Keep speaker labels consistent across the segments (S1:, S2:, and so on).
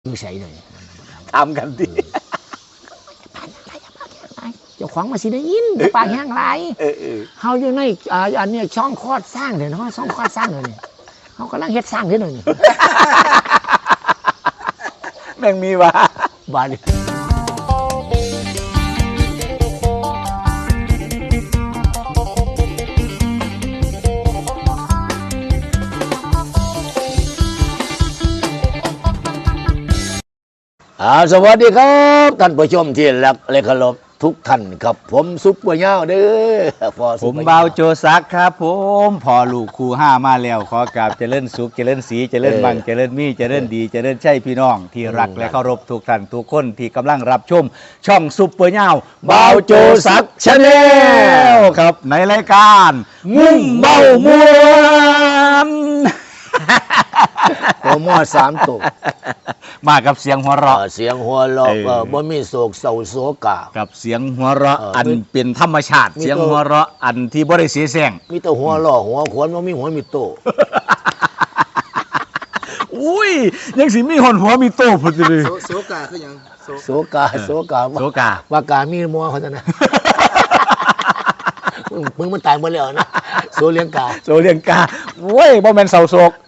S1: อยู่ใส่เลย
S2: ทำกันดิ
S1: เจ้าของมาสิได้ยินปากแห้งไรเฮาอยู่ในอันนี้ช่องคลอดสร้างเดี๋ยวช่องคลอดสร้างเลยนี่เขากำลังเฮ็ดสร้างเดี๋ยวนี้
S2: แม่งมีวะ
S1: บาดสวัสดีครับท่านผู้ชมที่รักและเคารพทุกท่านครับผมซุปเปอร์เงาเด้อ
S2: ผมเบาโจซักครับผมพอลูกครูห้ามาแล้วขอกราบเจริญสุขเจริญศรีเจริญบังเจริญมีเจริญดีเจริญใช่พี่น้องที่รักและเคารพทุกท่านทุกคนที่กำลังรับชมช่องซุปเปอร์เงาเบาโจซักชาแนลครับในรายการมุ่งเบามวน
S1: ตัวมั่ว3ตัว
S2: มากับเสียงหัวเราะ
S1: เสียงหัวเราะบ่มีโศกเศร้าโศกะ
S2: กับเสียงหัวเราะอันเป็นธรรมชาติเสียงหัวเราะอันที่บ่ได้เสียแซง
S1: มีแต่หัวเราะหัวขวนบ่มีหัวมีโต
S2: อุ้ยยังสิมีหัวมีโตพุ่นสิ
S3: โศกาคือหยัง
S1: โศกาว่ากามีมัวเขาจะนะมึงมันตายหมดแล้วนะโซเลียงกา
S2: โว้ยบ่แม่นเศร้าโศก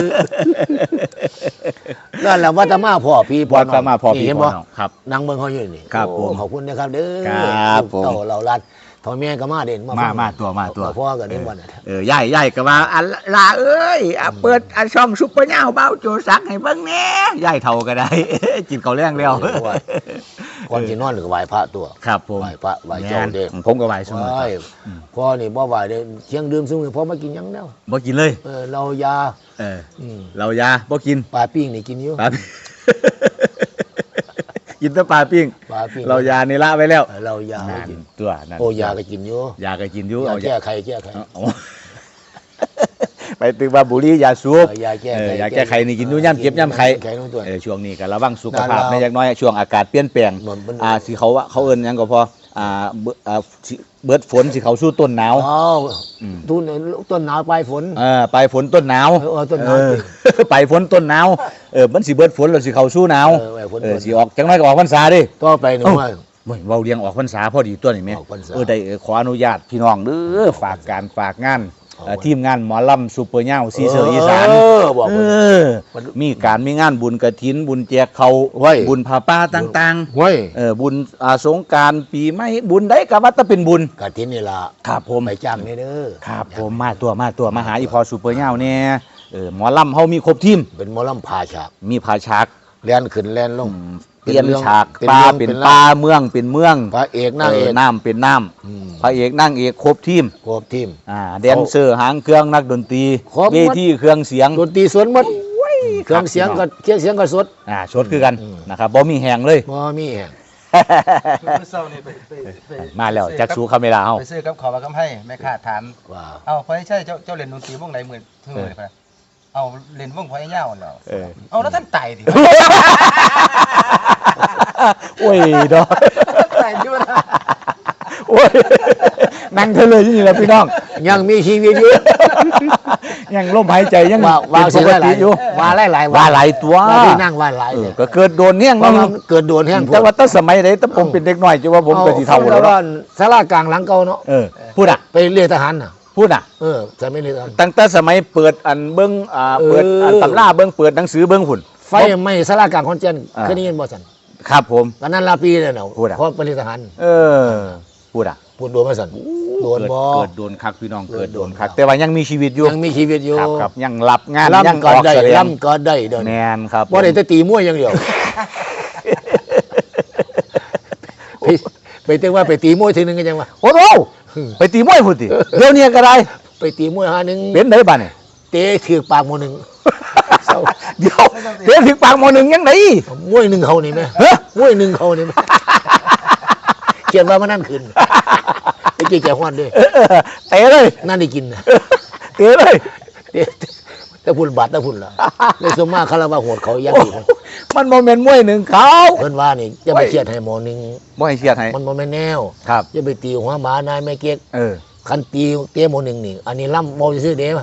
S1: นั่นแหละวัฒมาพ่อพี่พ่อน้อง
S2: เห็นบ่ครับ
S1: นางเมืองเขาอยู่นี่
S2: ครับผม
S1: ขอบคุณนะครับเด้อ
S2: ครับผม
S1: เต่าเราลัดพ่อแม่ก็มาเด่น
S2: มาตัว
S1: พ่อก็เด่นวัน
S2: ย่ายก็ว่าอันลาเอ้ยเปิดช่องซุปเปอร์เงาเบาโจซักให้เบิ่งแหน่ย่ายเฒ่าก็ได้กินข้าวแรงแล้ว
S1: ก่อนสินอนหรือไหว้พระตัว
S2: ครับผม
S1: ไหว้พระไหว้เจ้าเด้
S2: ผมก็ไหว้ซุมื้อ
S1: พ่อนี่บ่ไหว้เด้เที่ยงดื่มซุมื้อพ่อมากินหยังแล้ว
S2: บ่กินเลย
S1: เรายา
S2: เรายาบ่กิน
S1: ปลาปิ้งนี่กินอยู่
S2: กินแต่ปลาปิ้งเรายานี่ละไว้แล้ว
S1: เรายากิน
S2: ตัวนั่น
S1: โอ้ยาก็กินอยู่
S2: ยาก็กินอยู่
S1: เอาแก้ไข
S2: ไปตึกว่าบุรียาสูบ
S1: ยา
S2: แก้ไขนี่กินอยู่ย่ำเจ็บย่ำไข้ช่วงนี้ก็ระวังสุขภาพในอย่างน้อยช่วงอากาศเปลี่ยนแปลงสิเขาเอิ้นหยังก็พอเบิดฝนสิเขาสู้ต้นหนาว
S1: ต้นหนาวปลายฝน
S2: ปลายฝนต้นหนาว
S1: ต้นหนาว
S2: ปลายฝนต้นหนาวมันสิเบิดฝนแล้วสิเขาสู้หนาวสิออกจังได๋ก็ออกพรรษาดิ
S1: ก็ไปหนูว่า
S2: เว้าเรียงออกพรรษาพอดีตัวนี่แม่ได้ขออนุญาตพี่น้องเด้อฝากการฝากงานทีมงานหมอลำซุปเปอร์เงาซีเซอร์อีสานมีงานบุญกฐินบุญแจกเขาบุญผ้าป่าต่างๆบุญสงกรานต์ปีใหม่บุญได้ก็ว่าจะเป็นบุญ
S1: กฐินนี่ล่ะ
S2: ครับผม
S1: ไปจ้างนี่เด้อ
S2: ครับผมมาตัวมาหาอีพอซุปเปอร์เงาเนี่ยหมอลำเฮามีครบทีม
S1: เป็นหมอลำพาฉาก
S2: มีพาฉาก
S1: แล่นขึ้นแล่นลง
S2: เปลี่ยนฉากปลาเป็นปลาเมืองเป็นเมือง
S1: พระเอกนางเอก
S2: น้ำเป็นน้ำพระเอกนางเอกครบทีมแดนเซอร์หางเครื่องนักดนตรีเวทีเครื่องเสียง
S1: ดนตรีสดหมดเครื่องเสียงก็สด
S2: สดคือกันนะครับบ่มีแหงเลย
S1: บ่มีแหง
S2: มาแล้วจักสูคาเมราเฮา
S3: ไปซื้อกับขอว่าคำให้แม่ค้าถามเอ้าพอใช่เจ้าเล่นดนตรีวงไหนมื้อเลยครับเอาเล่นวงพอยาวแล้วเอาแล้วท่านไต่ดิ
S2: โอ้ยดอก
S3: ไต่อยู่นะ
S2: โอ้ยนั่งเธอเลยนี่แหละพี่น้อง
S1: ยังมีชีวิตอยู่
S2: ยังลมหายใจยัง
S1: ว่าปกติอยู่ว่าหลาย
S2: ว่าหลายตัว
S1: ที่นั่งว่าหลาย
S2: ก็เกิดโดนแห้ง
S1: เกิดโดนแห้ง
S2: แต่ว่าตั้งสมัยไหนตั้งผมเป็นเด็กน้อยจะว่าผมเป็นที่เท่าแล้ว
S1: ศาลากลางหลังเก่าเนาะ
S2: พูด
S1: ไปเรียนทหารน่ะ
S2: พูด
S1: จะไม่เรียน
S2: ตั้งแต่สมัยเปิดอันเบิ้งเปิดอันตำราเบิ้งเปิดหนังสือเบิ้งหุ่น
S1: ไฟไหม้ศาลากลางคอนเจนเคยได้ยินบ่สัน
S2: ครับผม
S1: ตอนนั้นลาปีเลยเนาะเพราะเป็นทหารพูดโดนมาสันโดนบ่
S2: เกิดโดนคักพี่น้องเกิดโดนคักแต่ว่ายังมีชีวิตอยู่ครับยังรับงาน
S1: ยังออกแสดงก็ได้เดิน
S2: แมนครับ
S1: บ่ได้แต่ตีมวยอย่างเดียวไปเต้ว่าไปตีมวยทีนึงก็ยังว่า
S2: โอ้โหไปตีมวยพุ่นติเดี๋ยวนี้ก็ได้
S1: ไปตีมวยหานึง
S2: เป็นได้บ้านี่
S1: เตะถือปากหมอนึง
S2: เดี๋ยวเตะถือปากหมอนึงยังไง
S1: มวยนึงเขานี่แม่มวยนึงเขานี่เขียนว่ามันนั่นขึ้นไอ้เจ๊แก่ฮ้อนด้วย
S2: เตะเลย
S1: นั่นได้กิน
S2: เตะเลย
S1: แต่พุ่นบาดแต่พุ่นล่ะเลยสมมาคาราวาโหดเขายักษ์
S2: มันโมเมนต์มวยหนึ่งเขา
S1: เพิ่นว่านี่จะไปเครียดให้หมอนึง
S2: บ่ให้เครียดให้
S1: มันโมเมนต์แนว
S2: ครับ
S1: จะไปตีหัวหมานายแม่เก๊กคันตีเตะหมอนึงนี่อันนี้ล่ำบ่ซื่อเด้
S2: ครับ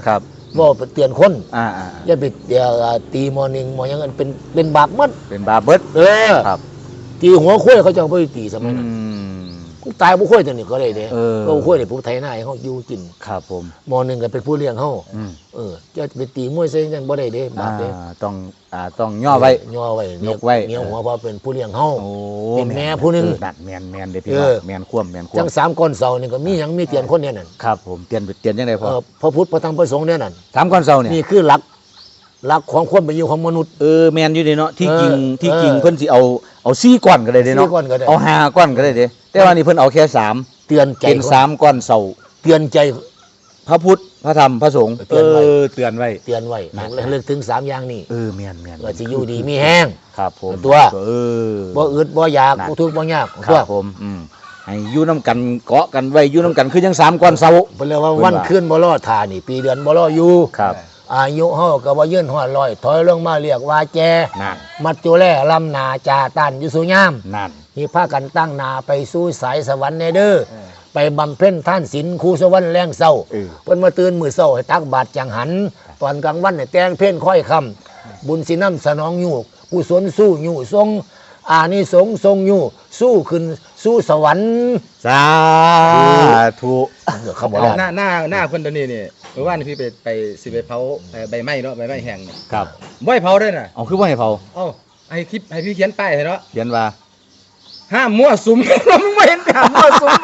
S1: ว่าไปเตือนคน
S2: อ่า
S1: อย่าไปตีมอหนึ่งมอยังนั้นเป็นบาปหมัด
S2: เป็นบาเบิด ครับ
S1: ตีหัวคุ้ยเขาจะเอาไปตีสมัยนั้น
S2: อืม
S1: ตายผู้คุ้ยตัวนี้ก็ได้เด้
S2: เออ
S1: ก็คุ้ยเนี่ยผู้ไทยหน้าให้เขาอยู่กิน
S2: ครับผม
S1: มอหนึ่งก็เป็นผู้เลี้ยงเขา
S2: อืม
S1: จะไปตีมวยเส้นยังบ่ได้เด้บาปเด้
S2: ต้องย่อไว้
S1: ย่อไว้
S2: ยกไว้
S1: เมียหัวเพราะเป็นผู้เลี้ยงเขา
S2: โอ้
S1: เป็นแม่ผู้หนึ่ง
S2: นั่นแมนเด้อพี่น้องแมนคว่ำ
S1: จัง3ก้อนเสานี่ก็มีหยังมีเตียนคนเนี่ยนั่น
S2: ครับผมเตียนยังไงพอ
S1: พระพุทธพระธรรมพระสงฆ์เนี่ยนั่น
S2: สามก้อนเสาเนี่ย
S1: นี่คือหลักของความเป็นอยู่ของมนุษย์
S2: แมนอยู่เด้เนาะที่จริง
S1: เออ
S2: เพิ่นสิเอา4ก้อนก็ได้เด้เนาะ
S1: 4ก้อนก็ได้
S2: เอา5ก้อนก็ได้เด้แต่ว่านี่เพิ่นเอาแค่3
S1: เตือนใจ
S2: เป็น3ก้อนเสา
S1: เตือนใจ
S2: พระพุทธพระธรรมพระสงฆ์
S1: เตือนไว้
S2: เตือนไว้
S1: เตือนไว้
S2: นั่น
S1: เลิกถึง3อย่างนี้
S2: แมน
S1: ว่าสิอยู่ดีมีแห้ง
S2: ครับผม
S1: ตัว
S2: บ่
S1: บ่อึดบ่อยาก
S2: นั่น
S1: บ่ทุกข์บ่ยาก
S2: ค
S1: ตัว
S2: รับผมให้อยู่น้ำกันเกาะกันไว้อยู่น้ำกันคือยัง3ก้อนเสา
S1: เพิ่นเรียกว่าวันคืนบ่รอท่านี่ปีเดือนบ่รออยู่
S2: ครับ
S1: อายุเฮาก็บ่ยืนฮอดร้อยถอยลงมาเรียกว่าแจ
S2: นั่น
S1: มัจจุแลลำนาจาตันอยู่สุยาม
S2: นั่น
S1: นี่พากันตั้งนาไปสู่สายสวรรค์แน่เด้อไปบำเพ็ญท่านศีลครูสวรรค์แรงเศร้าเพิ่นมาตื่นมื้อเช้าให้ตักบาตรจังหัน ตอนกลางวันให้แต่งเพลงค่อยคำบุญสินำสนองอยู่กุศลสู้อยู่ทรงอานิสงส์ทรงอยู่สู้ขึ้นสู่สวรรค์
S2: สาธุ
S1: เขาบอกว่า
S3: หน้าเพิ่นตัวนี้นี่เมื่อวานพี่ไปสิไปเผาใบไม้เนาะใบไม้แห้งนี่
S2: ครับ
S3: บ่ให้เผาด้วยน่ะ
S2: เอาคือว่าให้เผา
S3: เอ้าให้พี่เขียนป้ายให้เนาะ
S2: เขียนว่า
S3: ห้ามมั่วสุม เราไม่เห็นห้ามมั่วสุม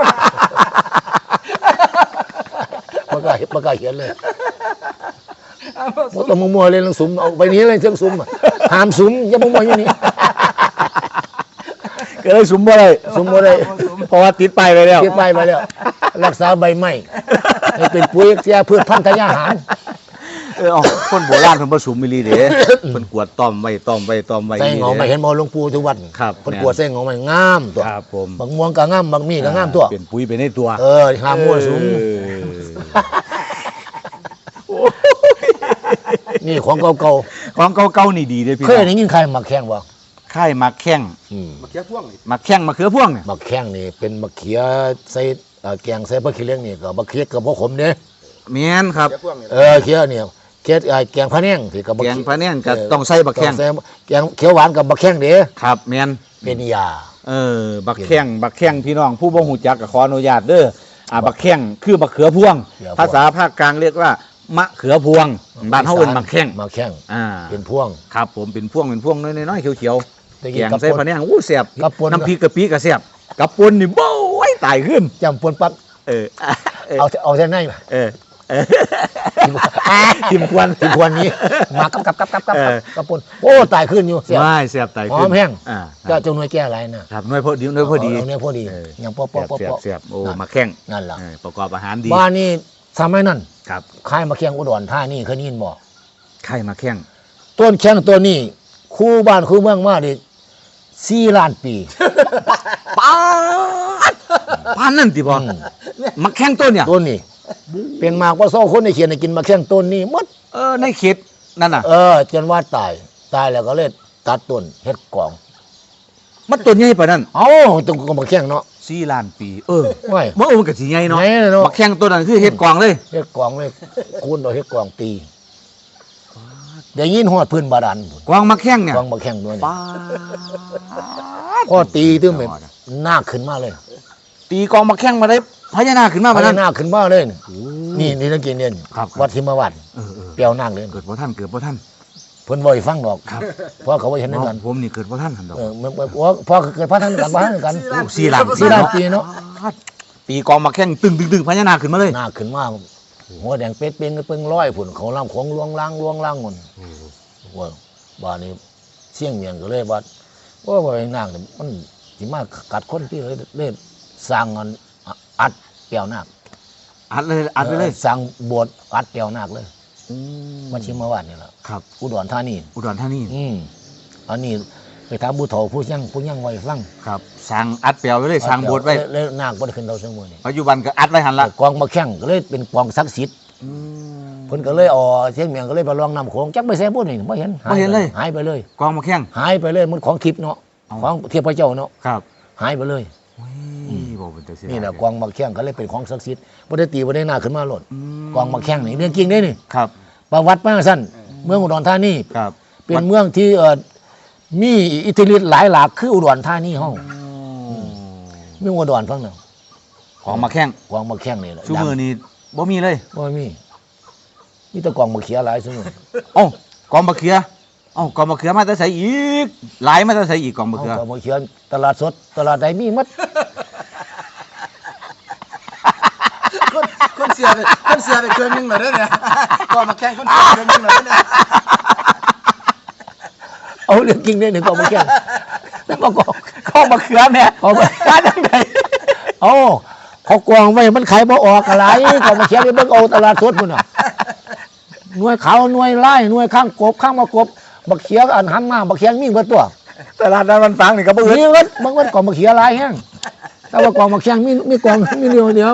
S1: ประกาศเขียนเลย
S3: ห้ามมั่วสุ
S1: บ่
S3: ม
S1: ต้องมัวๆเลยลังสุมเอาไปนี้เลยเชิงสุมอะห้ามสุมอย่ามัวๆอย่างนี้
S2: ก็เลยสุมบ่ได้
S1: สุมบ่ได้
S2: เพราะว่าติดไปไปแล้ว
S1: เก็บไปมาแล้วรักษาใบไม้ให้เป็นปุ๋ยเสียพืชพันธุ์ทางอาหาร
S2: เอาคนโบราณเพิ่นบ่สุมอีหลีเด้เพิ่นกวดต้อมไว้
S1: ใส่หงอไม่เห็นบ่หลวงปู่ทุกวัน
S2: ครับ
S1: คนกวดใส่หงอไม่งามตัว
S2: ครับผม
S1: บางม่วงก็งามบางมีก็งามตัว
S2: เป็นปุ๋ยไปในตัว
S1: ห้ามมั่วสุมนี่ของเก่า
S2: ของเก่าๆนี่ดีเด้อ
S1: ๆ
S2: พี่
S1: เคย
S2: น้อง
S1: ได้ยินใครมักแข้งบ่
S2: ค่ายมักแข้ง
S3: มาเขียพ่วงนี่
S2: มักแข้งมะเขือพวงเนี่ย
S1: มักแข้งนี่เป็นมะเขือใส่แกงใส่ผักขี้เหล็กนี่ก็มะเขือกับบ่ขมเด้
S2: แม่นครับ
S3: เขียพ่วงนี่
S1: เขือเนี่ยเขือแกงพะแนงที่กับ
S2: แกงพะแนงก็ต้องใส่บักแข้ง
S1: ใส่แกงเขียวหวานกับบักแข้งเด้
S2: ครับแม่น
S1: เป็นยา
S2: บักแข้งพี่น้องผู้บ่ฮู้จักก็ขออนุญาตเด้อบักแข้งคือบักเขือพวง ภาษาภาคกลางเรียกว่ามะเขือพวงบ้านเฮาเอิ้นบักแข้ง
S1: มักแข้ง เป็นพวง
S2: ครับผมเป็นพวงน้อยๆเขียว
S1: แต่
S2: ๆ
S1: กิ
S2: แก
S1: น
S2: ง
S1: กับ
S2: ใส่พะแนงอู้แซ่บ
S1: กับป่น
S2: น้ำพริกกะปิก็แซ่บกับป่นนี่โบ้ยตายขึ้น
S1: จำปนปั๊บ
S2: เออ
S1: เอาเส้นในมา
S2: เออทิมควัน
S1: ถึงควรนี้มากับปนโอ้ตายขึ้นอยู่เสีย
S2: ไม่แซ่บตาย
S1: หอ
S2: ขึ้น
S1: มแห้ง
S2: อ่า
S1: ก็จงหน่วยแก้อะไรนะครับ
S2: น้อยพอดีน้อยพอดี
S1: เอาเนี่ยพอดี
S2: เออ
S1: อย่างป๊อป
S2: แซ่บโอ้มาแข้ง
S1: นั่นล่ะ
S2: ประกอบอาหารดี
S1: บ้านนี้ทำไมนั่น
S2: ครับ
S1: ค่ายมาแข้งอุดรท่านี่เคยได้ยินบ่
S2: ไข่มาแข้ง
S1: ต้นแข้งตัวนี้คู่บ้านคู่เมืองมาดิ4 ล้านปี
S2: ป้าดป้านนั่นติบ่
S1: อืม
S2: มาแข้งต้นเนี่ย
S1: ต้นนี้เป็นมากว่าโซ่คนในเขียนให้กินมาแข้งต้นนี้หมด
S2: ในเขตนั่นน่ะ
S1: จนว่าตายแล้วก็เลยตัดต้นเฮ็ดกล่อง
S2: มันต้นใหญ่ปานนั้น
S1: เอ้าต้องก็มาแข้งเนาะ
S2: 4 ล้านปี
S1: ไว้
S2: บ่มันก็สิใหญ่เนาะ
S1: ใหญ่เลยเนาะ
S2: มาแข้งต้นนั้นคือเฮ็ดกองเลย
S1: เฮ็ดกล่องเลยคูณเอาเฮ็ดกล่องตีได้ยินฮอดพื้นบาดาลพุ่น
S2: กองมาแข้งเนี่ย
S1: กล่องมาแข้งด้วยนี่
S2: ป้าด
S1: พอตีตึ้งเป็นหน้าขึ้นมาเลย
S2: ตีกองมาแข้งมาได้พญานาคขึ้นมา
S1: พ
S2: ปาน
S1: ญา
S2: นั้น
S1: นาคขึ้นมาเลยนี่นักกินเนี่ย
S2: ครับ
S1: วัดทิมวัด
S2: เออ
S1: เปียวนาคเลย
S2: เกิดบ่ทันเกิดบ่ทัน
S1: เพิ่นบ่ให้ฟังดอกเพราะเขาบ่เห็นด้วยกัน
S2: ผมนี่เกิดบ่ทันหั่นดอก
S1: มันพอเกิดพระท่านกันพระท่านกัน
S2: 4 ล้าน
S1: 4 ล้านปีเนาะ
S2: ตีกองมาแข้งตึงพญานาคขึ้นมาเลย
S1: หน้าขึ้นมาหัวแดงเป็ดเป่งเปิ้งร้อยพุ่นเขาลำของลวงล่างหมดว่าบ้านนี้เสี่ยงเมียงก็เลยว่าบ่ให้นางนี่มันสิมากัดคนที่เลยสร้างอันอัดเปียวนาค
S2: อัดไปเลย
S1: สร้างโบสถ์อัดเปียวนาคเลย
S2: อื
S1: มาชิมมาวัดนี่แหละ
S2: ครับ
S1: อุดรธานี
S2: อุดรธานี
S1: อันนี้ไปถามผู้เฒ่าผู้ยังไว้ฟัง
S2: ครับสร้างอัดแปลวไว้เลยสร้างโบสถ์ไว้
S1: แล้วนาคบ่ได้ขึ้นเราเสมอนี่
S2: ปัจจุบันก็อัดไว้หันละ
S1: กองมาแข่งก็เลยเป็นกองศักดิ์สิทธิ์เพิ่นก็เลยเชียงเมียงก็เลยไปลองนำโขงจักไปแซ่บ่นี่บ่เห็นหายไปเลย
S2: กองมาแข้ง
S1: หายไปเลยมันของทิพย์เนาะ
S2: เอา
S1: ของเทพเจ้าเนาะ
S2: ครับ
S1: หายไปเลย
S2: บอกเป็นตัวเสีย
S1: นี่แหละกองมาแข่งก็เลยเป็นของศักดิ์สิทธิ์บ่ได้ตีบ่ได้นาขึ้นมาโลด
S2: ม
S1: กองมาแข่งนี่เรื่องจริงเด้นี่
S2: ครับ
S1: ประวัติมาสั้นเมืองอุดรธานี
S2: ครับ
S1: เป็นเมืองที่มีอิทธิฤทธิ์หลายหลากคืออุดรธานีห้องเมืองอุดรฟังหนึ่ง
S2: ของมาแข้ง
S1: กวางมาแข้งนี่แหละ
S2: ชูมือนี่บ่มีเลย
S1: บ่มีแต่กวางมาเขียหลายซุมื้อ
S2: เอ้ากองมะเขือเอ้ากองมะเขือมาแต่ใส่อีกหลายมาแต่ใส่อีกกองมะเขือ
S1: กวางมาเขียตลาดสดตลาดใดมีหมด
S3: คนเสียไปเครื่องนึงเหรอเนี่ยก่อนมาแข่งคนเสียเครื่องนึงเหรอเนี่ย
S1: เอาเรื่องจริงเนี่ยหนึ่งกวางมาแข้งแล้วก็กวาง
S2: กองมะเขือแม่
S1: เอาไป
S2: ร้านจังได
S1: เอาเขากวางไว้มันขายบ่ออกอะไรกวางมาเขียไปเบิ่งเอาตลาดสดพุ่นน่ะหน่วยขาวหน่วยไล่หน่วยข้างกบข้างมากบบักเขียอันหันมาบักเขียมีเบิดตัว
S2: ตลาดนั้นมันฟังนี่ก็บ่อึด
S1: มีเบิดบางวันกวางมาเขียหลายแห้งแต่ว่ากวางมาแข้งมีกวางมีเดียว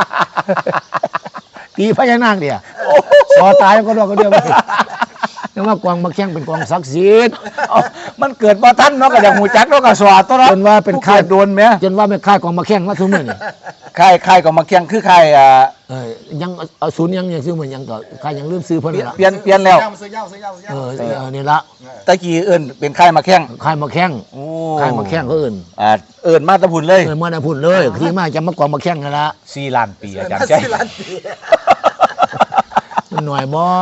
S1: ตีพญานาคเดียวสอตายก็ดอกก็เดียวไปแต่ว่ากวางมาแข้งเป็นกวางศักดิ์สิทธิ์
S2: เอ้ามันเกิดบ่ทันเนาะก็อยากฮู้จักเนาะก็สวัสดิ์ตัวเนาะ
S1: จนว่าเป็นค่าย
S2: ผู้กิดโดนแม่
S1: จนว่าไม่ค่ายกวางมาแข้งมาทุกมื้อนี่
S2: ค่ายกองมะเขือคือค่าย
S1: ยังเอาศูนย์ยังซื้อเหมือนยังก็ค่ายยังลืมซื้อเพิ่นละ
S2: เปลี่ยนแล้ว
S3: ซื้อยาว
S1: นี่ละ
S2: ตะกี้เอิ้นเป็นค่ายมะแข้ง
S1: ค่ายมาแข้ง
S2: โอ้
S1: ค่ายมาแข้งเขาเอื่น
S2: เอิ้นมาแตะพุ่นเลย
S1: เมื่อน่ะพุ่นเลยที่มาจะมากวางมาแข้งนั่นละ
S2: 4ล้านปีอาจารย์ใจ
S3: 4 ล้านปี
S1: มันหน่อยบ่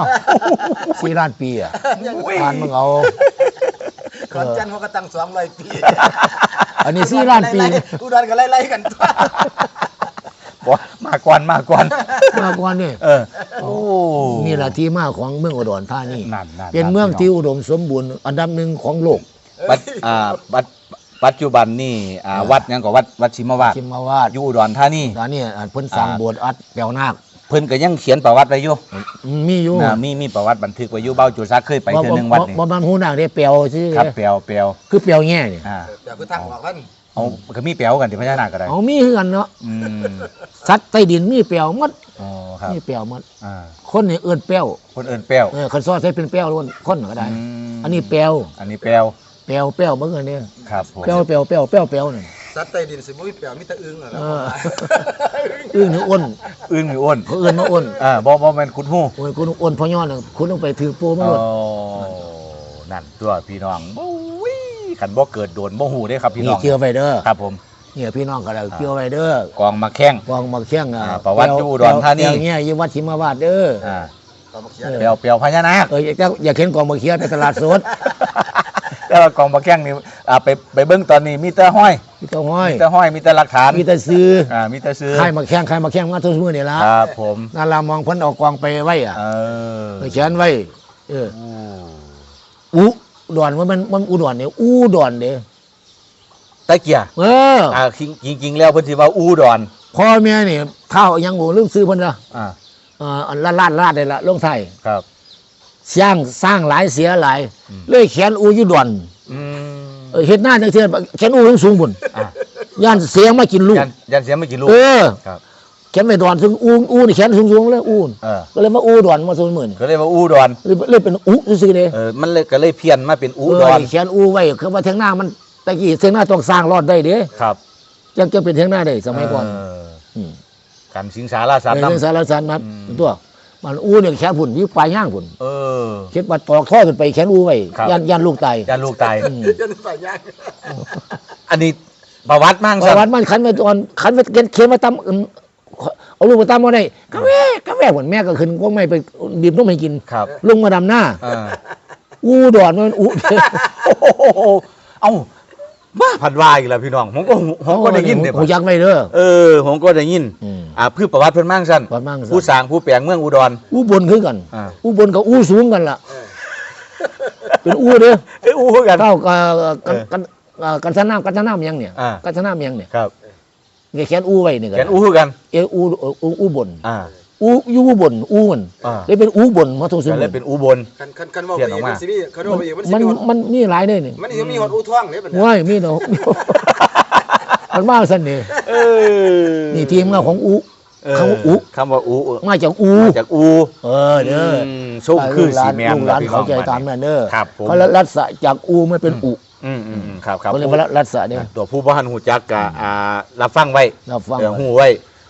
S1: 4 ล้านปีอ่ะทานมึงเอา
S3: ก่อนจันทร์เขาก็ตั้ง200 ปี
S1: อันนี้4 ล้านปี
S3: อุดรก็ไล่ๆกันตัว
S2: บ่มาก่อน
S1: มากกว่านี่
S2: โอ้
S1: นี่แหละที่มาของเมืองอุดรธานี
S2: นั่น
S1: เป็นเมืองที่อุดมสมบูรณ์อันดับหนึ่งของโลก
S2: ปัจจุบันนี่วัดหยังก็วัดชิมวาด
S1: ชิมาวาด
S2: อยู่อุดรธานี
S1: ตอนนี้เพิ่นสร้างโบสถ์อัดแปลวนาค
S2: เพิ่นก็ยังเขียนประวัติไว้อยู่
S1: มีอยู่
S2: มีประวัติบันทึกไว้อยู่เบ้าจุซักเคยไปเทื่อนึงวัดนี่
S1: บ่มันหูนาคได้แปลวซื่อ
S2: ครับแปลว
S1: คือแปลวแง่นี่
S3: เดี๋ยวคือทางออกกัน
S2: เอาก็มีแปลวกันที่พญานาคก็ได้
S1: เอามีคือกันเนาะ
S2: อืม
S1: สัตว์ใต้ดินมีแปลวหมด
S2: อ๋อครับ
S1: มีแปลวหมด
S2: อ่า
S1: คนนี่เอิ้นแปลว
S2: คนเอิ้นแปลว
S1: คันซอใช้เป็นแปลวล้วนคนก็ได้ อันนี้แปลว
S2: อันนี้แปลว
S1: เบิ่งอันนี้
S2: ครับผม
S1: แปลวนี่
S3: สัตว์ใต้ดินสิบ่มีแปลวมีแต่อึ่งเหรอ
S1: อึ้งนี่อ้น
S2: อึ้งหรืออ้น
S1: เขาเอิ้นมาอ้น
S2: บ่แม่นขุดหู้
S1: โอ้ยคุณอ้นพอย่อน่ะคุณต้องไปถือปูมา
S2: อ๋
S1: หม
S2: อ
S1: ด
S2: นั่นตัวพี่น้องบุ้ยขันบ่เกิดโดนบ่หูได้ครับพี่น้
S1: นี่
S2: อง
S1: เกี่ยวไปเด้อ
S2: ครับผม
S1: เนี่ยพี่น้องก็ได้เกี่ยวไปเด้อก
S2: องมาแข้ง
S1: กองมาเคียง
S2: ประวัติอยู่อุดรธานี
S1: แปลวเนี่ยอยู่วัดชิมาวาดเด้อ
S2: อ่า
S3: ก็มาเขียน
S2: เปลวพญานาค
S1: อยากเห็นกองมาเคียงไปตลาดสด
S2: แต่ว่ากองมาแข้งนี่ไปเบิ่งตอนนี้มีแต่ห้อย
S1: มีแต่ห้อย
S2: มีแต่ห้อยมีแต่หลักฐาน
S1: มีแต่ซื้อ
S2: มีแต่ซื้อ
S1: ค่ายมาแข้งมาทุกมื้อนี่ล่ะ
S2: ครับผม
S1: นั่นล่ะมองเพิ่นเอากองไปไว้อ่ะ
S2: เออ
S1: ไปเขียนไว้เอออุดรมันอุดรเนี่ยอุดรเด้
S2: ตะเกีย จริงๆแล้วเพิ่นสิว่าอูดอน
S1: พ่อแม่นี่ข้าวยังบ่ลืมซื้อเพิ่นละ
S2: อ่า
S1: ลาดได้ละลงไทย
S2: ครับ
S1: สร้างหลายเสียหลาย
S2: อืม
S1: เลยเขียนอูอยู่ดอน
S2: อืม
S1: เฮ็ดหน้าจังเทื่อเขียนอูสูงบุญ
S2: อ่ะ
S1: ย่านเสียงมากินลูก
S2: ยันเสียไม่กี่ลูก
S1: เออ
S2: ครับ
S1: เขียนไม่ดอนซึ่งอูนี่เขียนสูงๆเลยอูน
S2: เออ
S1: ก็เลยมาอูดอนมาสูงหมื่น
S2: ก็เลยว่าอูดอน
S1: เลยเป็นอูซื่อๆเด้
S2: มันเลยก็เลยเพี้ยนมาเป็นอูดอน
S1: เขียนอูไว้คือว่าเทียงหน้ามันตะกี้เทียงหน้าต้องสร้างรอดได้เด้
S2: ครับ
S1: จังจะเป็นเทียงหน้าได้สมัยก่อน ม
S2: กันสิงสาราสัตว์
S1: เรื่อง
S2: นำ
S1: สารสารนัด
S2: อืม
S1: ตัวมันอูเนี่ยแขนผุ่นอยู่ปลายย่างผุ่น
S2: เออ
S1: เข็ดมาตอกท่อขึ้นไปแขนอูไว้
S2: ครับ
S1: ย่านลูกตาย
S2: ยันลูกตาย
S1: อืม
S3: ยันฝ่ายยาก
S2: อันนี้ประวัติมั่ง
S1: ประวัติมันขันไปตอนขันไปเขียนมาตำเอาลูกมาตำมาได้กาแฟเหมือนแม่ก็ขึ้นก็ไม่ไปบีบนมให้กิน
S2: ครับ
S1: ลงมาดำหน้า
S2: เออ
S1: อูดอนมันอู
S2: โอ้โหเอ้าบ้าผัดวายอีกแล้วพี่น้องผมก็ได้ยินเนี่ย
S1: หูยักไม่เด้อ
S2: ผมก็ได้ยิน
S1: อืม
S2: พืชประวัติเพิ่นมั่งสั้น
S1: ประวัติมั่งสั้น
S2: ผู้สร้างผู้แปลงเมืองอุดร
S1: อูบนคือกัน
S2: อ่า
S1: อูบนกับอูสูงกันล่ะเป็นอูเด้อ
S2: อู้กัน
S1: เท่ากันสนามยังเนี่ย
S2: อ่า
S1: กันสนามยังเนี่ย
S2: ครับ
S1: เนี่ยแขนอูไว้นี่กั
S2: แกนอู้กัน
S1: อูบน
S2: อ่า
S1: อูบนอูมัน
S2: อ่า
S1: เลยเป็นอูบนมาทุกสิ่ง
S2: ก็เลยเป็นอูบน
S3: คันว่าไปอีกมันสิมีคันว่าไปอีกมันสิ
S1: มัน
S3: มีหอด
S1: มันมีหลายเลยนี่
S3: มันสิมีหอดอูท่วงเลยบัดนี้
S1: ว้ายมีเนาะ มันมาสั่นนี่
S2: เออ
S1: นี่ทีมงานของอู คำว่าอู
S2: คำว่าอู
S1: มาจากอู
S2: มาจากอู
S1: เด้อ
S2: ส้มคือสีแมน
S1: ลูกหลานเขาใจตามนั่นเด้อ
S2: ครับผม
S1: เขารัดสะจากอูไม่เป็นอุ
S2: ครับครับ
S1: เขาเรียกว่ารัดสะเนี่ย
S2: ตัวผู้บ้านหูจักกะรับฟังไว้
S1: เราฟัง
S2: หูไว้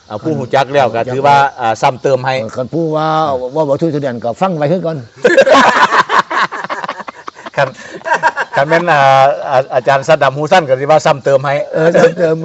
S2: ผู้หูจักแล้วก็ถือว่าซ้ำเติมให้
S1: คันผู้ว่าบ่ทุกเดือนก็ฟังไว้คือก่อน
S2: คันแม่นอาจารย์สัดดำหูสั้นก็สิว่าซ้ำเติมให้
S1: เติมไว้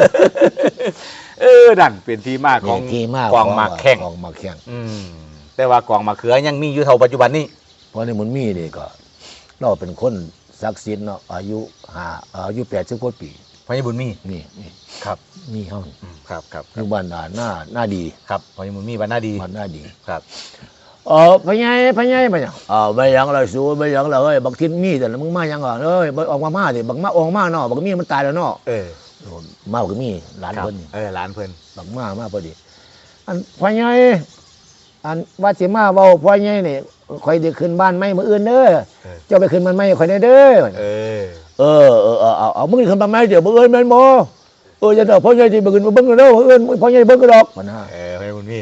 S2: นั่นเป็นที่มาของ
S1: ที่มาก
S2: กองหมากแข้ง
S1: กองหมากแข้ง
S2: แต่ว่ากองหมากเขือยังมีอยู่เท่าปัจจุบันนี้
S1: เพราะในมันมีนี่ก็เราเป็นคนศักดิ์สิทธิ์เนาะอายุ80กว่าปี
S2: พญบุญมี
S1: นี่
S2: ครับ
S1: มีเฮา
S2: ครับ
S1: อยู่บ้านหน้าดี
S2: ครับพญบุญมีบ้านหน้าดี
S1: บ้านหน้าดี
S2: ครับ
S1: พญายไปยังไปยังเราสู้ไปยังเราเอ้ยบักทินมีแต่มึงมายังอ่ะเอ้ยออกมาดิบักมาออกมาเนาะบักมีมันตายแล้วเนาะมาบักมีหลานเพิ่น
S2: หลานเพิ่น
S1: บักมาพอดีอันพญายอันว่าสิมาเว้าพญายนี่ข่อยได้ขึ้นบ้านใหม่มื้ออื่นเด้อเจ้าไปขึ้นบ้านใหม่ข่อยได้เด้อเอามึงขึ้นบ้านใหม่เดี๋ยวมื้ออื่นแม่นบ่จะเด้อพญายสิไปขึ้นเบิ่งเด้อมื้ออื่นพญายเบิ่งก็ดอกมันฮะ
S2: พญบุญมี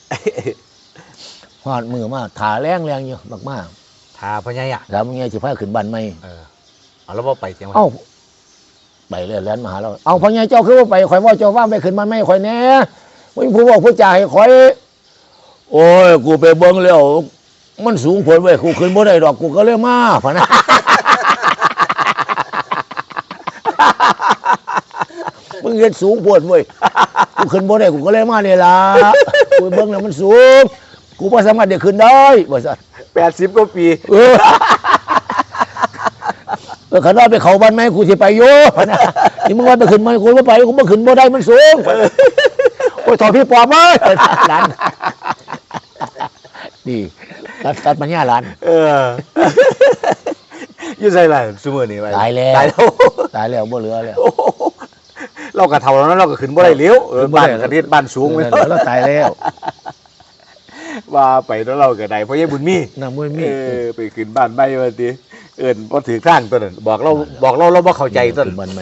S1: ฮอดมือมาถ่าแรงอยู่มาก
S2: ๆถ่าพญาย
S1: แล้วมึงไงสิพาขึ้นบ้านใหม่
S2: เอาแล้วบ่ไปจังว่า
S1: ไปเลยแล่นมาหาเราเอาพญายเจ้าคือว่าไปข่อยว่าเจ้าว่าไปขึ้นบ้านใหม่ข่อยแหน่มึงผู้บอกผู้จ่าให้ข่อยโอ้ยกูไปเบิ่งแล้วมันสูงผลเว้ยกูขึ้นบ่ได้ดอกกูก็เลยมาพะนะมึงเฮ็ดสูงโพดเว้ยกูขึ้นบ่ได้กูก็เลยมานี่ล่ะกูเบิ่งแล้วมันสูงกูบ่สามารถได้ขึ้นได้บ่ซั่น
S2: 80กว่าปี
S1: คันว่าไปเข้าบ้านใหม่กูสิไปอยู่พะนะนี่มึงว่าไปขึ้นใหม่กูบ่ไปกูบ่ขึ้นบ่ได้มันสูงโอ้ยถอดพี่ปอบเอ้ยหลานนี่ตัดปัญญาหลาน
S2: อยู่ไสล่ะซุมื้อนี้
S1: ตายแล้วบ่เหลือแล้ว
S2: เราก็เฒ่าแล้วเราก็ขึ้นบ่ได้แล้วบ้านกระเทศบ้านสูง
S1: แล้วตายแล้ว
S2: ว่าไปแล้วเราก็ได้เพราะยายบุญมีไปขึ้นบ้านใหม่ว่าติบ่ถือทางตัวนั้นบอกเราเราบ่เข้าใจตัวนั้น
S1: บ้านใหม่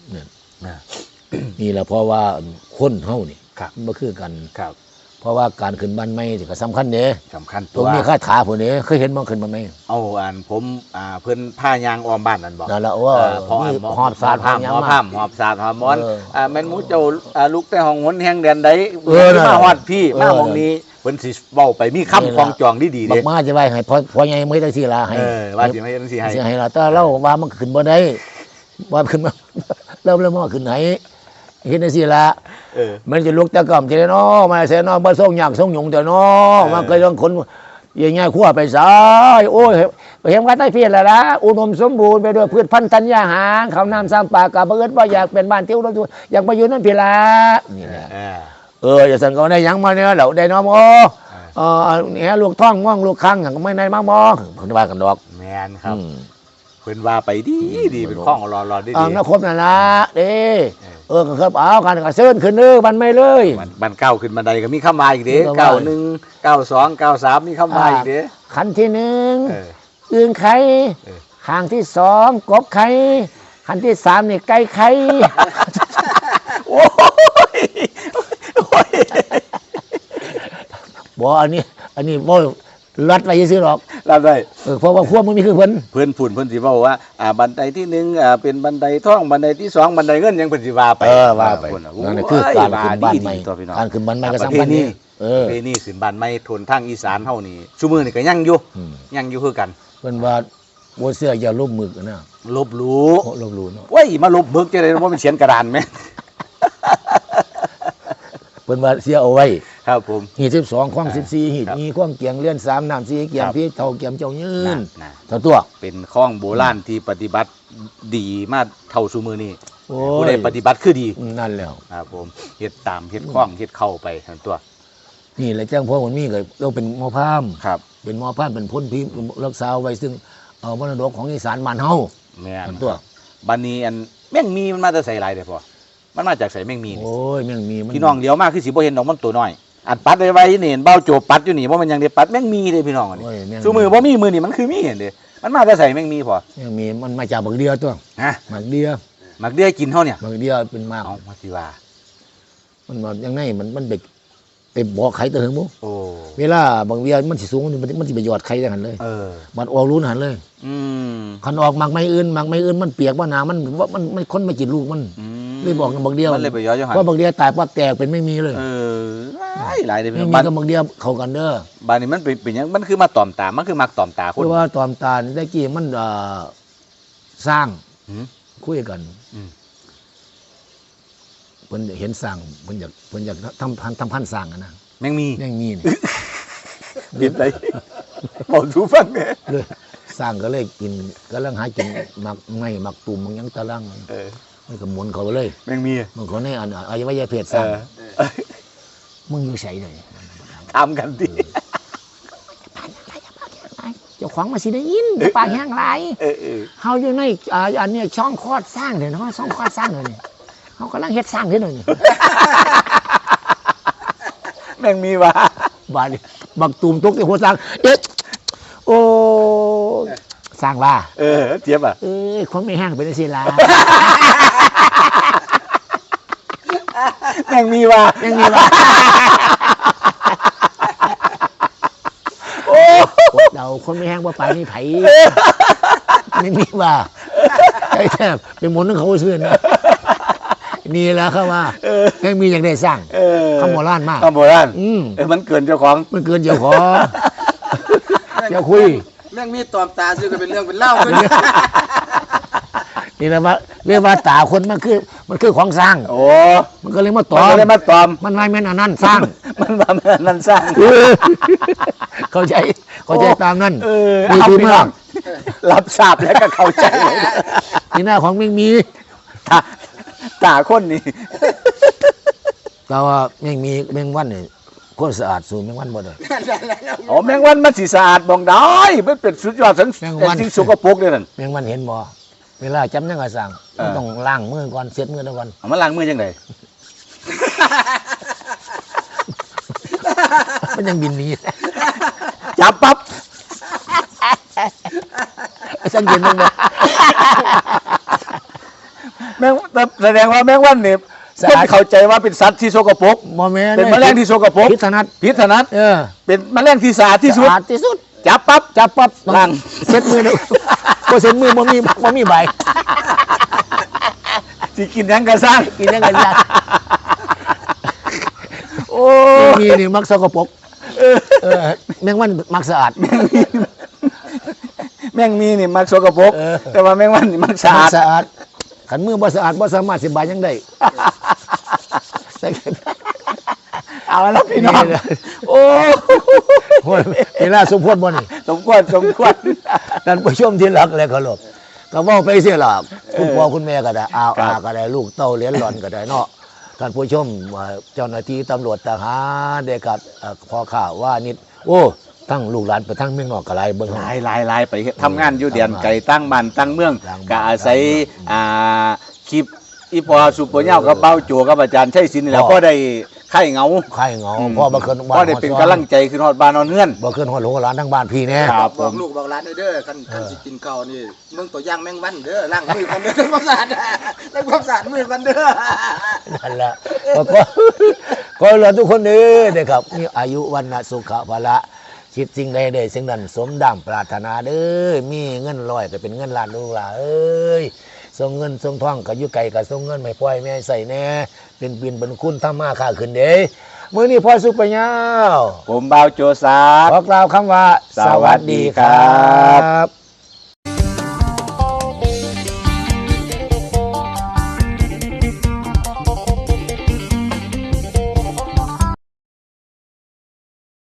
S1: นี่แหละเพราะว่าคนเฮานี่บ่คือกันเพราะว่าการขึ้นบ้านใหม่นี่ก็สำคัญเด้
S2: สำคัญ
S1: ตัวมีคาถาพุ่นนี่เคยเห็นบ่ขึ้นบ้านใหม่
S2: ผมเพิ่นผ้ายางอ้อมบ้านนั่นบ่
S1: นั่นล่ะว่าหอบสาดหาม
S2: หอบสาดหอบมอนแม่นหมูเจ้าลูกแต่ห้องหนแห่งแดนใดมาฮอดพี่มาห้องนี้เพิ่นสิเว้าไปมีคำคล้องจองดีๆเด้
S1: บักมาจะไว้ให้พอใหญ่มื้อจังซี่ล่ะให้
S2: ว่าสิให้จังซี่
S1: ให้ล่ะแต่เราว่ามันขึ้นบ่ได้ว่าขึ้นมาเรามาขึ้นไหนเฮ็ดจังซี่ล่ะมันจะลุกตะก่ำจะเนาะมาเสนาบ่ส่งยากส่งหยงแต่เนาะมาเคยต้องคนใหญ่ๆคั่วไปซายโอ้ยเห็นว่าใต้เพียรแล้วล่ะอุดมสมบูรณ์ไปด้วยพืชพันธุ์ธัญญาหารข้าวน้ำสร้างป่ากะบ่เอิ้นว่าอยากเป็นบ้านเที่ยวรถอยากไปอยู่นั่นพี่ล่ะนี่แหละอย่าสั่นก็ได้หยังมาเนี่ยแล้วได้น้อมเนี่ยลูกท้องง่วงลูกคังก็ไม่ได้มาบ่เพิ่นว่ากันดอก
S2: แม่นครับเพิ่นว่าไปดีเป็นข้องรอดี
S1: นะครบนั่นล่ะเด้ก็ครับเอากันก็เชิญขึ้นเด้อบันไม่เลย
S2: บันเก้าขึ้นบันไดก็มีคำว่าอีกเด้91 92 93มีคำว่าอีกเด้
S1: ขั้นที่1อึ่งไข่ข้างที่2กบไข่ขั้นที่3นี่ไก่ไข่
S2: โอ้ย
S1: บ่อันนี้บ่รัดไว้ซื่อหรอก
S2: รัดไว้
S1: เพราะว่าพวกมันมีคือเพิ่น
S2: สิเว้าว่าบันไดที่1เป็นบันไดทองบันไดที่2บันไดเงินยังเพิ่นสิว่าไป
S1: ว่าไปนั่นคือการขึ้นบ้านใหม่การขึ้นบ้านใหม่ก็สำคัญนี่
S2: นี่ขึ้นบ้านใหม่ทนทางอีสานเฮานี่ซุมื้อนี่ก็ยังอยู่คือกัน
S1: เพิ่นว่าบ่เชื่ออย่าลบมึกนะ
S2: ลบหลู่
S1: เนาะ
S2: โอ้ยมาลบมึกจังได๋บ่มันเขียนกระดานแม่
S1: เพิ่นว่าเสียเอาไว้
S2: ครับผม
S1: หีด12ข้อง14หีดมีข้องเกียงเลื่อน3น้ำ4เกียงพี่เท่าเกียงเจ้ายืนเท่าตัว
S2: เป็นข้องโบราณที่ปฏิบัติดีมาเท่าซุมื้อนี้ผู้ใดปฏิบัติคือดี
S1: นั่นแล้ว
S2: ครับผมเฮ็ดตามเฮ็ดข้องเฮ็ดเข้าไปทั้งตัว
S1: นี่แหละจังพ่อมันมีก็เราเป็นหมอพราหมณ์
S2: ครับ
S1: เป็นหมอพราหมณ์เป็นพ้นพิรักษาไว้ซึ่งมรดกของอีสานบ้านเฮา
S2: แม่นตัวบัดนี้อันแม่งมีมันมาแต่ไสหลายเด้อพ่อมันมาจากไสแม่งมี
S1: โอ้ยแม่งมี
S2: พี่น้องเดียวมากคือสิบ่เห็นดอกมันตัวน้อยอันปัดไว้นี่เห็นเบ้าโจบปัดอยู่นี่บ่มันยังได้ปัดแม่งมีเด้พี่น้องอันนี้ซุมือบ่มีมือนี่มันคือมีเห็นเด้มันมาแต่ไสแม่งมีพ่อ
S1: แม่งมีมันมาจากบักเดียตัวหมักเดีย
S2: กินเฮาเนี่ย
S1: บักเดียเป็นมาก
S2: เอามาสิว่า
S1: มันยังไงมันเด็กไปบอกไข่ตัวถึงมุเวลาบางเวียมันสิสูงมันสิไปหยอดไข่จังหันเลยมันออกรูนหันเลยคันออกหมักไม่อื่นมันเปียกว่าน้ำมันคนไม่กินลูกมันเลยบอกกันบักเดียว
S2: มันเลยไปย้อยหัน
S1: เพราะบักเดียวตายปั๊บแตกเป็นไม่มีเลย
S2: หลายเลย
S1: ไม่มี
S2: บ้าน
S1: ก็บักเดียวเข้ากันเด้อ
S2: บ้านนี้มันเป็นหยังมันคือมาตอมตามันคือมักตอมตาคน
S1: เพราะว่าตอนตาลได้กี่มันสร้าง
S2: หืม
S1: คุยกัน
S2: อืม
S1: เพิ่นเห็นสร้างเพิ่นอยากทำพันสร้างอะนะ
S2: แมงมี
S1: ยังมีนี่
S2: เด็ดเลยบอกทูฟังเนี่ย
S1: เลยสร้างก็เลยกินก็ลังหากินมักไงมักตุ่มมักหยังตะลังมันก็หมุนเขาเลย
S2: แมงมี
S1: มันเขาในอวัยวะเพศสร้างมึงอยู่ใส่เลย
S2: ทำกันดิ
S1: เจ้าของมาสิได้ยินปากแห้งไรเฮาอยู่ในอันเนี้ยช่องคลอดสร้างเดี๋ยวเนาะช่องคลอดสร้างเดี๋ยวนี้เฮากำลังเฮ็ดสร้างเดี๋ยวนี้
S2: แมงมีว่ะ
S1: บาดนี้บักตุ่มตกในหัวสร้างเอ๊ะโอ้สร้างว่า
S2: เจี๊ยบอ่ะ
S1: คนไม่แห้งเป็นจังซี่ล่ะ
S2: แมงมีว่ะ
S1: ยังมีว่าเราคนไม่แห้งว่าไปนี่ไผไม่มีว่าไอ้แทบเป็นหมนของเขาซื่อนะนี่แหละครับว่ายังมีอย่างได้สร้างคำโบราณมาก
S2: คำโบราณ
S1: อืม
S2: มันเกินเจ้าของ
S1: มันเกินเจ้าของอย่าคุย
S3: แม่งมีตอมตาซื้อกันเป็นเรื่องเป็นเล่าเลย
S1: นี่แหละว่าเรียกว่าตาคนมันคือของสร้าง
S2: โอ้
S1: มันก็เลยมาต
S2: มั
S1: อน ม
S2: ก็เลยมาตอม
S1: มันไม่แม่นอันนั้นสร้าง
S2: มันมานั่นสร้าง
S1: เข้าใจตามนั้น
S2: เอา
S1: ดี
S2: พี่
S1: มา
S2: น้อก งรับทราบแล้วก็เข้าใจเลย
S1: นี่หน้าของไม่มี
S2: ตาคนนี่
S1: แต่ว่าไม่มีแมงวันเนี่ยคนสะอาดสูงแมงวันบ่ได้
S2: อ๋อแมงวันมันสีสะอาดบองได้มันเป็นสุดยอดสัน
S1: แมงวัน
S2: สิ่งสกปรกเลยนั่น
S1: แมงวันเห็นบ่เวลาจำยังไงสั่งมันต้องล้างมือก่อนเช็ดมือก่อน
S2: เอามาล้างมือยังไง
S1: มันยังบินหนี้
S2: จับปั๊บ
S1: ฉันเย็นมันบ่
S2: แมงแสดงว่าแมงวันเนี่ยคนเข้าใจว่าเป็นสัตว์ที่สกปรก
S1: บ่แม่น
S2: เป็นแมลงที่สกปรก
S1: พิษถนัด
S2: พิษถนัด เป็นแมลงที่สะอาดที่สุด
S1: สะอาดที่สุด
S2: จับปั๊บ
S1: จับปั๊บ
S2: ล้าง
S1: เช็ดมือดูบ่เช็ดมือบ่มีใบ
S2: สิกินหยังกระสร้าง
S1: กินยังไงยาก
S2: โอ้
S1: มีนี่มักสกปรกแมงวันมักสะอาด
S2: แมงมีนี่มันสกปรกแต่ว่าแมงวันนี่มันสะ
S1: มั
S2: อาก ด
S1: สะอาดขันมือบ่สะอาดบ่สามารถสิบายยังได้
S2: เอาแล้วพี่น้องโอ้
S1: โอ้ยเวลาสมควรบ่นี่
S2: สมควร
S1: ท่านผู้ชมที่รักและเคารพก็เว้าไปเสียล่ะคุณพ่อคุณแม่ก็ได้อาก็ได้ลูกเต้าเหรียญหล่อนก็ได้เนาะท่านผู้ชมเจ้าหน้าที่ตำรวจทหารเด็กกับพ่อข้าว่านิดโอ้ทั้งลูกหลานไปทั้งเมืองนอกก็หลายเบิ่ง
S2: ลายไปทำงานอยู่เดียนไก่ตั้งบ้านตั้งเมืองก็อาศัยคลิปอีพอสุปเปอร์เน่ากับเป้าโจกับอาจารย์ชัยศิลป์นี่แหละก็ได้ไข่เหงา
S1: ไข่เหงาพ่อบ่ขึ้นบ้าน
S2: ก็ได้เป็นกำลังใจขึ้นฮอดบ้านนอนเฮือน
S1: บ่ขึ้นฮอดลูกหลานทั้งบ้านพี่แน่
S2: ครับผ
S3: บอก
S2: ม
S3: ลูกบอกหลานเด้อคันสิกินข้าวนี่มึงตัวย่างแมงวันเด้อล้างมือกันเด้อทำความสะอาดล้างความสะอาดมือกันเด้อ
S1: นั่นแหละก็เราทุกคนเด้อครับมีอายุวันนะสุขภาละคิดสิ่งใดได้สิ่งนั้นสมดังปรารถนาเด้อมีเงินร้อยก็เป็นเงินล้านลูกหลานเอ้ยส่งเงินส่งทองก็อยู่ไกลก็ส่งเงินไม่ปล่อยแม่ใส่แน่เป็นบินเป็นคุณทำมาค้าขึ้นเด้มื้อนี้พ่อสุปยาว
S2: ผมบ่าวโจซา
S1: ขอกล่าวคำว่า
S2: สวัสดีครับ